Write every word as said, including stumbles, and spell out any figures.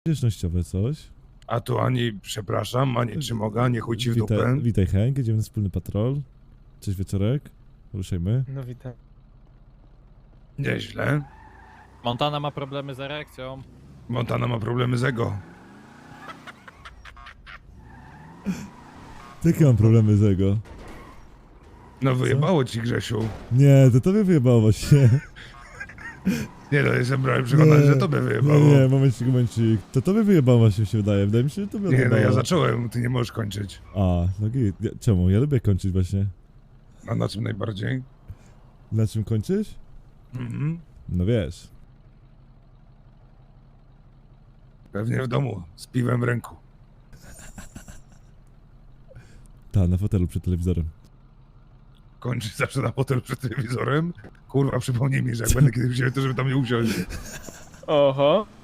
Zręcznościowe coś. A tu ani przepraszam, ani czy mogę, nie chuj ci w Witaj, dupę. witaj Henk, idziemy na wspólny patrol. Cześć wieczorek. Ruszajmy. No witam. Nieźle. Montana ma problemy z erekcją. Montana ma problemy z ego. Jakie mam problemy z ego? No wyjebało ci, Grzesiu. Nie, to tobie wyjebało właśnie. Nie no, jestem prawie przekonany, że tobie wyjebało. Nie, nie, momencik, momencik. To tobie wyjebało właśnie się wydaje. Wydaje mi się, że tobie Nie no, odjebało. ja zacząłem, ty nie możesz kończyć. A, no git. Ja, czemu? Ja lubię kończyć właśnie. A na czym najbardziej? Na czym kończyć? Mhm. No wiesz. Pewnie w domu, z piwem w ręku. Ta, na fotelu przed telewizorem. Kończyć zawsze na hotel przed telewizorem. Kurwa, przypomnij mi, że jak będę kiedyś wziął, to żeby tam nie usiąść. Oho.